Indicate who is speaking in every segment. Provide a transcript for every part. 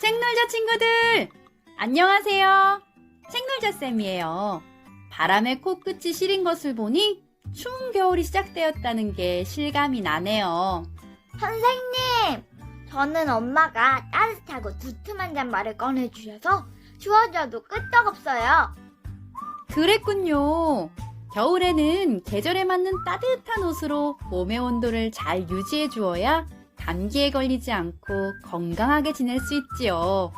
Speaker 1: 책놀자 친구들! 안녕하세요. 책놀자쌤이에요. 바람에 코끝이 시린 것을 보니 추운 겨울이 시작되었다는 게 실감이 나네요.
Speaker 2: 선생님, 저는 엄마가 따뜻하고 두툼한 잠바를 꺼내주셔서 추워져도 끄떡없어요.
Speaker 1: 그랬군요. 겨울에는 계절에 맞는 따뜻한 옷으로 몸의 온도를 잘 유지해 주어야 감기에 걸리지 않고 건강하게 지낼 수 있지요.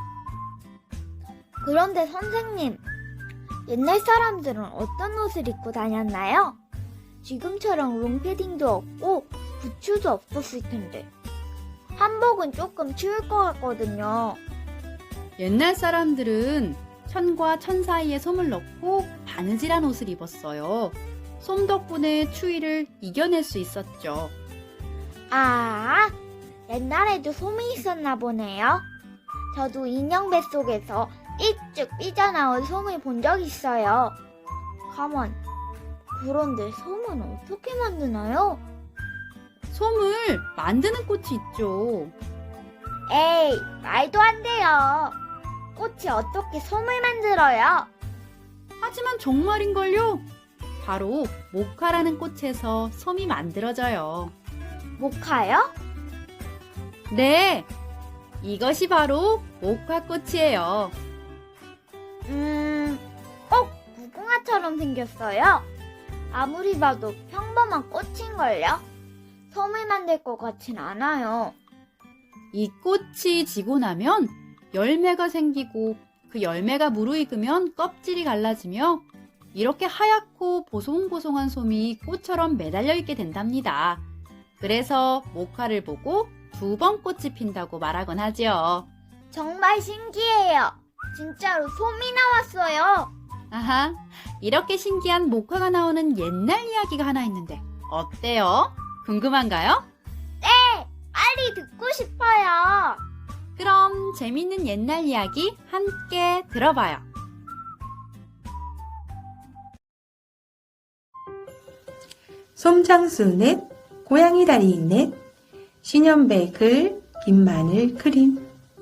Speaker 2: 그런데 선생님, 옛날 사람들은 어떤 옷을 입고 다녔나요? 지금처럼 롱패딩도 없고 부츠도 없었을 텐데 한복은 조금 추울 것 같거든요.
Speaker 1: 옛날 사람들은 천과 천 사이에 솜을 넣고 바느질한 옷을 입었어요. 솜 덕분에 추위를 이겨낼 수 있었죠.
Speaker 2: 아, 옛날에도 솜이 있었나 보네요. 저도 인형 뱃속에서 삐쭉 삐져나온 솜을 본 적 있어요. 가만, 그런데 솜은 어떻게 만드나요?
Speaker 1: 솜을 만드는 꽃이 있죠.
Speaker 2: 에이, 말도 안 돼요. 꽃이 어떻게 솜을 만들어요?
Speaker 1: 하지만 정말인걸요? 바로 모카라는 꽃에서 솜이 만들어져요.
Speaker 2: 모카요?
Speaker 1: 네, 이것이 바로 모카꽃이에요.
Speaker 2: 꼭 무궁화처럼 생겼어요. 아무리 봐도 평범한 꽃인걸요? 솜을 만들 것 같진 않아요.
Speaker 1: 이 꽃이 지고 나면 열매가 생기고 그 열매가 무르익으면 껍질이 갈라지며 이렇게 하얗고 보송보송한 솜이 꽃처럼 매달려 있게 된답니다. 그래서 모카를 보고 두 번 꽃이 핀다고 말하곤 하지요.
Speaker 2: 정말 신기해요. 진짜로 솜이 나왔어요.
Speaker 1: 아하, 이렇게 신기한 모카가 나오는 옛날 이야기가 하나 있는데 어때요? 궁금한가요?
Speaker 2: 빨리 듣고 싶어요.
Speaker 1: 그럼 재밌는 옛날 이야기 함께 들어봐요.
Speaker 3: 솜장수 넷, 고양이 다리 넷, 신현배 글, 김마늘 그림.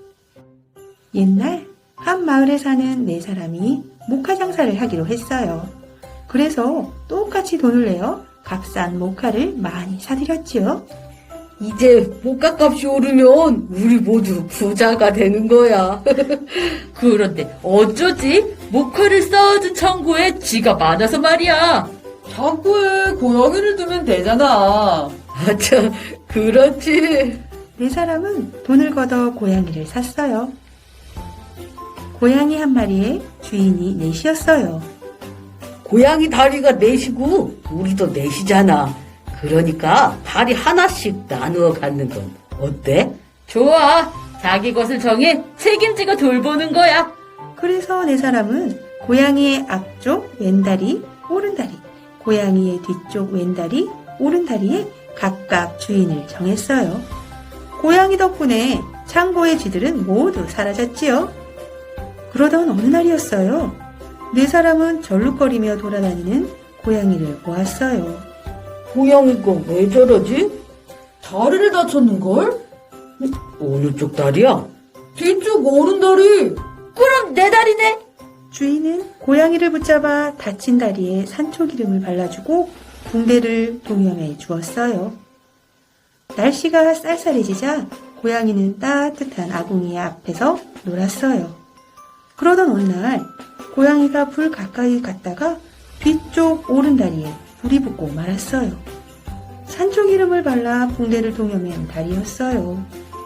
Speaker 3: 옛날 한 마을에 사는 네 사람이 모카 장사를 하기로 했어요. 그래서 똑같이 돈을 내어 값싼 모카를 많이 사들였지요.
Speaker 4: 이제 모카값이 오르면 우리 모두 부자가 되는 거야. 그런데 어쩌지? 모카를 쌓아둔 창고에 쥐가 많아서 말이야.
Speaker 5: 창고에 고양이를 두면 되잖아.
Speaker 4: 아참, 그렇지.
Speaker 3: 네 사람은 돈을 걷어 고양이를 샀어요. 고양이 한 마리에 주인이 넷이었어요.
Speaker 4: 고양이 다리가 넷이고 우리도 넷이잖아. 그러니까 다리 하나씩 나누어 갖는 건 어때? 좋아. 자기 것을 정해 책임지고 돌보는 거야.
Speaker 3: 그래서 네 사람은 고양이의 앞쪽 왼다리, 오른다리, 고양이의 뒤쪽 왼다리, 오른다리에 각각 주인을 정했어요. 고양이 덕분에 창고의 쥐들은 모두 사라졌지요. 그러던 어느 날이었어요. 네 사람은 절룩거리며 돌아다니는 고양이를 보았어요.
Speaker 4: 고양이가 왜 저러지?
Speaker 5: 다리를 다쳤는걸?
Speaker 4: 어느 쪽 다리야?
Speaker 5: 뒤쪽 오른다리.
Speaker 4: 그럼 내 다리네.
Speaker 3: 주인은 고양이를 붙잡아 다친 다리에 산초기름을 발라주고 붕대를 동여매 주었어요. 날씨가 쌀쌀해지자 고양이는 따뜻한 아궁이 앞에서 놀았어요. 그러던 어느 날 고양이가 불 가까이 갔다가 뒤쪽 오른다리에 불이 붙고 말았어요. 산초기름을 발라 붕대를 동여맨 다리였어요.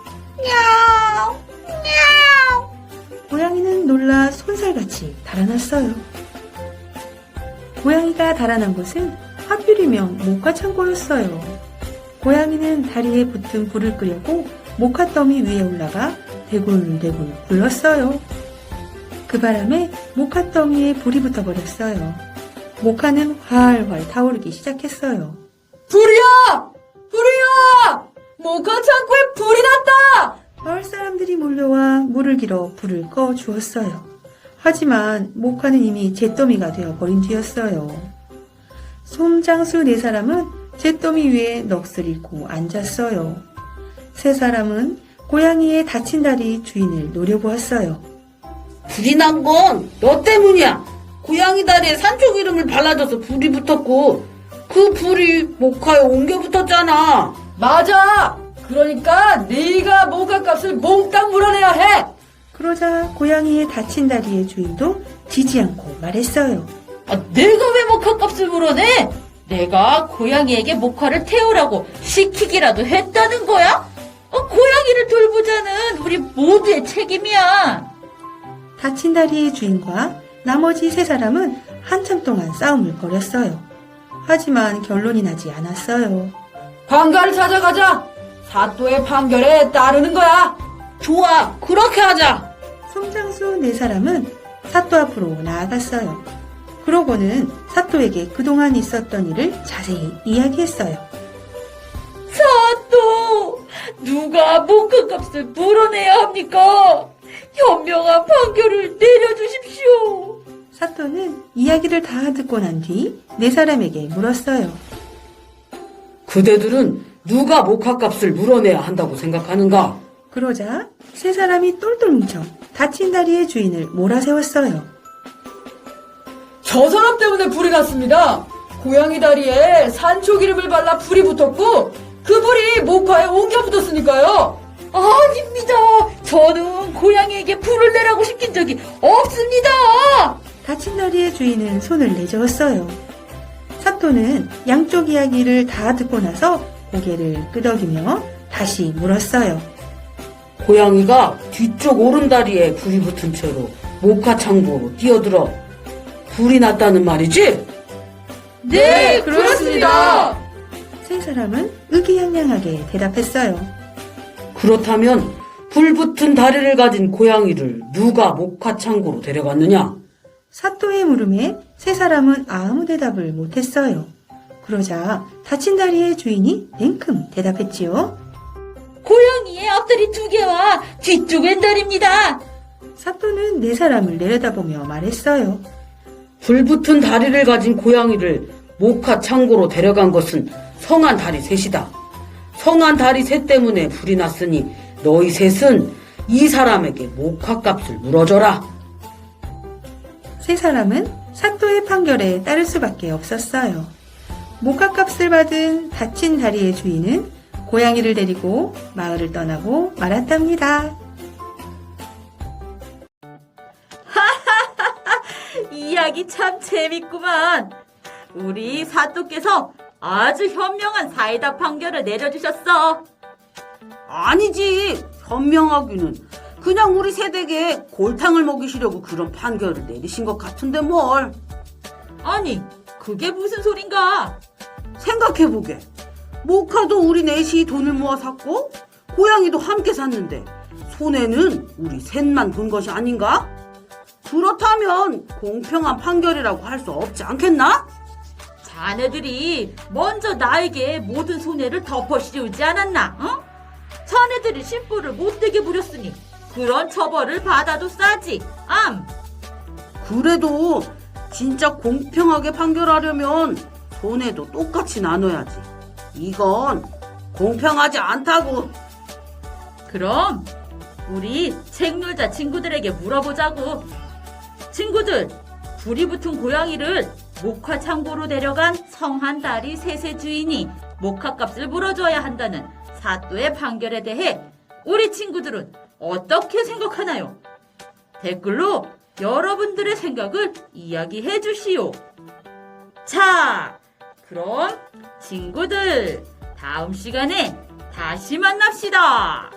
Speaker 3: 고양이는 놀라 손살같이 달아났어요. 고양이가 달아난 곳은 하필이면 모카 창고였어요. 고양이는 다리에 붙은 불을 끄려고 모카 더미 위에 올라가 대굴대굴 굴렀어요. 그 바람에 모카 더미에 불이 붙어버렸어요. 모카는 활활 타오르기 시작했어요.
Speaker 5: 불이야! 불이야! 모카 창고에 불이 났다!
Speaker 3: 마을 사람들이 몰려와 물을 길어 불을 꺼 주었어요. 하지만 모카는 이미 잿더미가 되어버린 뒤였어요. 솜장수 네 사람은 잿더미 위에 넋을 잃고 앉았어요. 세 사람은 고양이의 다친 다리 주인을 노려보았어요.
Speaker 4: 불이 난 건 너 때문이야. 고양이 다리에 산초 기름을 발라줘서 불이 붙었고 그 불이 모카에 옮겨 붙었잖아.
Speaker 5: 맞아. 그러니까 네가 모카값을 몽땅 물어내야 해.
Speaker 3: 그러자 고양이의 다친 다리의 주인도 지지 않고 말했어요.
Speaker 6: 내가 왜 모카값을 물어내? 내가 고양이에게 모카를 태우라고 시키기라도 했다는 거야? 고양이를 돌보자는 우리 모두의 책임이야.
Speaker 3: 다친 다리의 주인과 나머지 세 사람은 한참 동안 싸움을 벌였어요. 하지만 결론이 나지 않았어요.
Speaker 5: 관가를 찾아가자. 사또의 판결에 따르는 거야.
Speaker 4: 좋아, 그렇게 하자.
Speaker 3: 송장수 네 사람은 사또 앞으로 나아갔어요. 그러고는 사또에게 그동안 있었던 일을 자세히 이야기했어요.
Speaker 6: 사또, 누가 모카값을 물어내야 합니까? 현명한 판결을 내려주십시오.
Speaker 3: 사또는 이야기를 다 듣고 난 뒤 네 사람에게 물었어요.
Speaker 4: 그대들은 누가 모카값을 물어내야 한다고 생각하는가?
Speaker 3: 그러자 세 사람이 똘똘 뭉쳐 다친 다리의 주인을 몰아세웠어요.
Speaker 5: 저 사람 때문에 불이 났습니다. 고양이 다리에 산초 기름을 발라 불이 붙었고 그 불이 모카에 옮겨 붙었으니까요.
Speaker 6: 아닙니다. 저는 고양이에게 불을 내라고 시킨 적이 없습니다.
Speaker 3: 다친 다리의 주인은 손을 내저었어요. 사또는 양쪽 이야기를 다 듣고 나서 고개를 끄덕이며 다시 물었어요.
Speaker 4: 고양이가 뒤쪽 오른다리에 불이 붙은 채로 모카 창고로 뛰어들어 불이 났다는 말이지?
Speaker 5: 네, 그렇습니다.
Speaker 3: 세 사람은 의기양양하게 대답했어요.
Speaker 4: 그렇다면 불 붙은 다리를 가진 고양이를 누가 모카 창고로 데려갔느냐?
Speaker 3: 사또의 물음에 세 사람은 아무 대답을 못했어요. 그러자 다친 다리의 주인이 냉큼 대답했지요.
Speaker 6: 고양이의 앞다리 2개와 뒤쪽 왼다리입니다.
Speaker 3: 사또는 네 사람을 내려다보며 말했어요.
Speaker 4: 불 붙은 다리를 가진 고양이를 모카 창고로 데려간 것은 성한 다리 셋이다. 성한 다리 셋 때문에 불이 났으니 너희 셋은 이 사람에게 모카 값을 물어줘라.
Speaker 3: 세 사람은 사또의 판결에 따를 수밖에 없었어요. 모카값을 받은 다친 다리의 주인은 고양이를 데리고 마을을 떠나고 말았답니다.
Speaker 6: 이야기 참 재밌구만. 우리 사또께서 아주 현명한 사이다 판결을 내려주셨어.
Speaker 4: 아니지. 현명하기는 그냥 우리 세대에 골탕을 먹이시려고 그런 판결을 내리신 것 같은데 뭘.
Speaker 6: 아니, 그게 무슨 소린가?
Speaker 4: 생각해보게. 모카도 우리 넷이 돈을 모아 샀고 고양이도 함께 샀는데 손해는 우리 셋만 본 것이 아닌가? 그렇다면 공평한 판결이라고 할 수 없지 않겠나?
Speaker 6: 자네들이 먼저 나에게 모든 손해를 덮어씌우지 않았나? 어? 자네들이 심부를 못되게 부렸으니 그런 처벌을 받아도 싸지.
Speaker 4: 그래도 진짜 공평하게 판결하려면 손해도 똑같이 나눠야지. 이건 공평하지 않다고.
Speaker 6: 그럼 우리 책놀자 친구들에게 물어보자고. 친구들, 불이 붙은 고양이를 모카 창고로 데려간 성한 다리 셋의 주인이 모카값을 물어줘야 한다는 사또의 판결에 대해 우리 친구들은 어떻게 생각하나요? 댓글로 여러분들의 생각을 이야기해 주시오. 자, 그럼 친구들 다음 시간에 다시 만납시다.